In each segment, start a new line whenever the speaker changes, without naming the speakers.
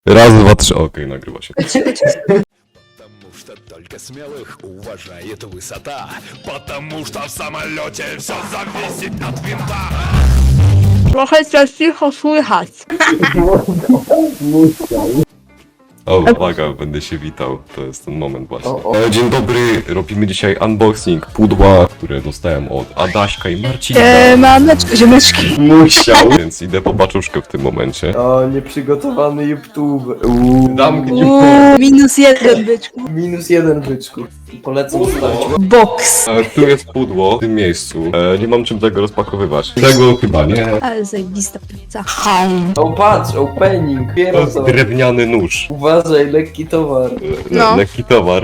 Raz, dwa, trzy, okej, nagrywa się.
Потому что только смелых уважает высота. Потому что в самолете все зависит от винта.
Trochę coś cicho słychać.
O, uwaga, będę się witał. To jest ten moment właśnie. Dzień dobry, robimy dzisiaj unboxing pudła, które dostałem od Adaśka i Marcina.
Maneczko, ziomeczki.
Musiał, więc idę po paczuszkę w tym momencie.
O, nieprzygotowany YouTube.
Damknij
-1, byczku.
-1 byczku. Polecam sprawdzić.
Box.
Tu jest pudło w tym miejscu. Nie mam czym tego rozpakowywać. Tego chyba nie.
Ale zajebista pizza.
O, patrz, opening.
To
Piero
jest
to.
drewniany nóż.
Uważaj, lekki towar.
No.
Lekki towar.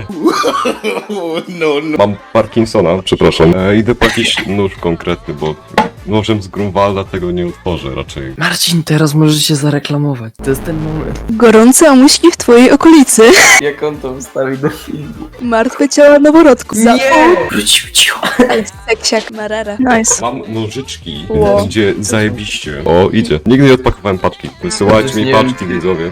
Mam Parkinsona, przepraszam. Idę po jakiś nóż konkretny, bo nożem z Grunwalda tego nie otworzę raczej.
Marcin, teraz możesz się zareklamować. To jest ten moment.
Gorące omuśki w twojej okolicy.
Jak on to wstawi do filmu.
Martwe ciała noworodku.
Wrócił cicho.
Seksiak Marara. Nice.
Mam nożyczki,
Wow.
gdzie zajebiście. O, idzie. Nigdy nie odpakowałem paczki. Wysyłajcie mi
Nie
paczki, widzowie.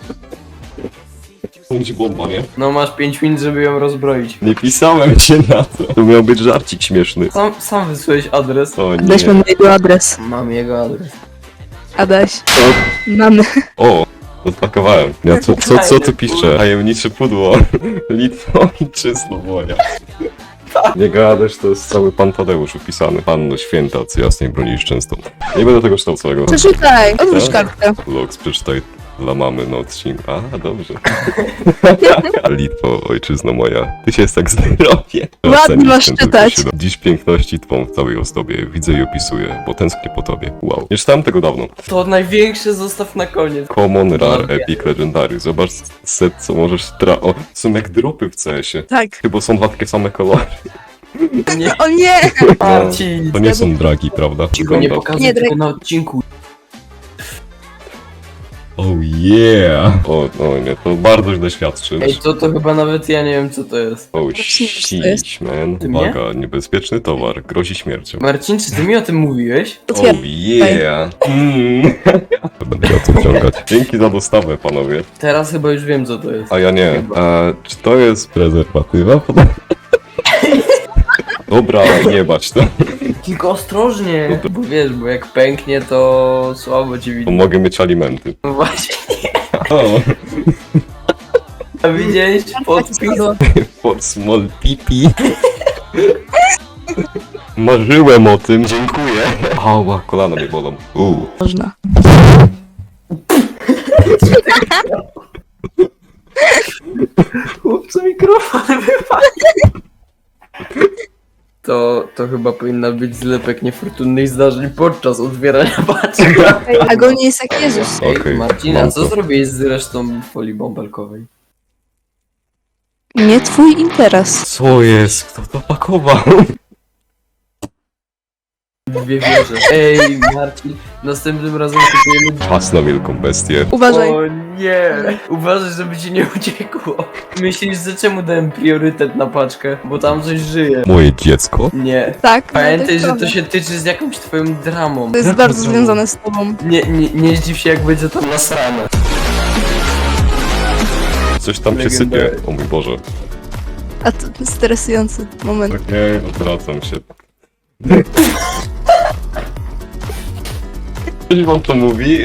Będzie bomba, nie?
No masz 5 minut, żeby ją rozbroić.
Nie pisałem się na to. To miał być żarcik śmieszny.
Sam wysłałeś adres.
O
Adaś,
nie.
mamy jego adres.
Mam jego adres.
Adaś. Mamy.
O, odpakowałem. Ja, co tu pisze? Tajemnicze pudło. Litwo i czysto woja. Nie gadasz, to jest cały pan Tadeusz upisany. Panno święta, co jasnej bronisz często. Nie będę tego czytał całego.
Przeczytaj. Odwróć
Co?
kartkę.
Logs, przeczytaj dla mamy na odcinku. A, dobrze. Litwo, ojczyzno moja, ty się jest tak zdrowie.
Ładnie masz czytać.
Dziś piękności twą w całej ozdobie widzę i opisuję, bo tęsknię po tobie. Wow. Nie czytałem tego dawno.
To największe zostaw na koniec.
Common, Rare,
Lubię.
Epic, Legendary. Zobacz set, co możesz O, są jak dropy w CS-ie.
Tak.
Chyba są dwa takie same kolory.
Nie,
O nie!
Marcin.
To nie są dragi, prawda?
Cicho, nie
Wygląda.
pokazuj
Nie,
tego na odcinku.
Oh yeah! O, nie, to bardzo źle świadczy.
Ej, to chyba nawet ja nie wiem co to jest.
Oh
Zacznijmy, co to jest.
shit, man.
Ty mnie?
Uwaga, niebezpieczny towar, grozi śmiercią.
Marcin, czy ty mi o tym mówiłeś?
Otwieram.
Oh yeah! Będę miał co wciągać. Dzięki za dostawę, panowie.
Teraz chyba już wiem co to jest.
A ja nie. Czy to jest prezerwatywa? Dobra, nie bać to.
Tylko ostrożnie, bo wiesz, bo jak pęknie to słabo ci
Bo
widać.
mogę mieć alimenty.
No właśnie,
O,
a widziałeś podpis?
for small pipi. Marzyłem o tym, dziękuję. Ała, kolana mnie bolą.
Można.
Chłopcu, mikrofon wypadł. To chyba powinna być zlepek niefortunnych zdarzeń podczas otwierania paczek.
Agonia jest jak Jezus.
Okej,
Marcina,
mam
co
to.
zrobiłeś z resztą folii bąbelkowej?
Nie twój interes.
Co jest? Kto to pakował?
Dwie wieże. Ej, Marcin, następnym razem kupujemy...
Pas na wielką bestię.
Uważaj.
O nie! Uważaj, żeby ci nie uciekło. Myślisz, że czemu dałem priorytet na paczkę? Bo tam coś żyje.
Moje dziecko?
Nie.
Tak.
Pamiętaj, że to
prawda.
się tyczy z jakąś twoją dramą.
To jest bardzo związane z tobą.
Nie zdziw się, jak będzie tam nasrane.
Coś tam się
Legendary.
sypie. O mój Boże.
A to stresujący moment.
Okej, odwracam się. Coś wam to mówi?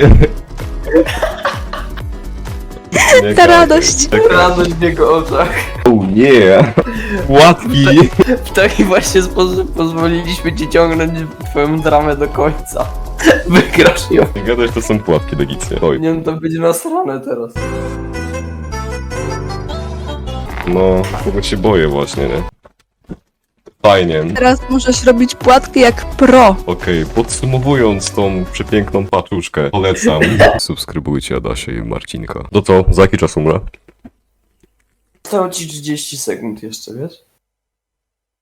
Nie
Ta
gadaj.
radość.
Tak,
Radość w jego oczach.
oh yeah! Łatki!
W taki właśnie sposób pozwoliliśmy ci ciągnąć twoją dramę do końca. Wygrasz ją.
Nie gadaj, to są płatki legicje. Oj,
Nie wiem, to będzie nasrane teraz.
no, tego się boję właśnie, nie? Fajnie.
Teraz możesz robić płatki jak pro.
Okej, podsumowując tą przepiękną paczuszkę, polecam. Subskrybujcie Adasia i Marcinka. To co, za jaki czas umrę?
Zostało ci 30 sekund jeszcze, wiesz?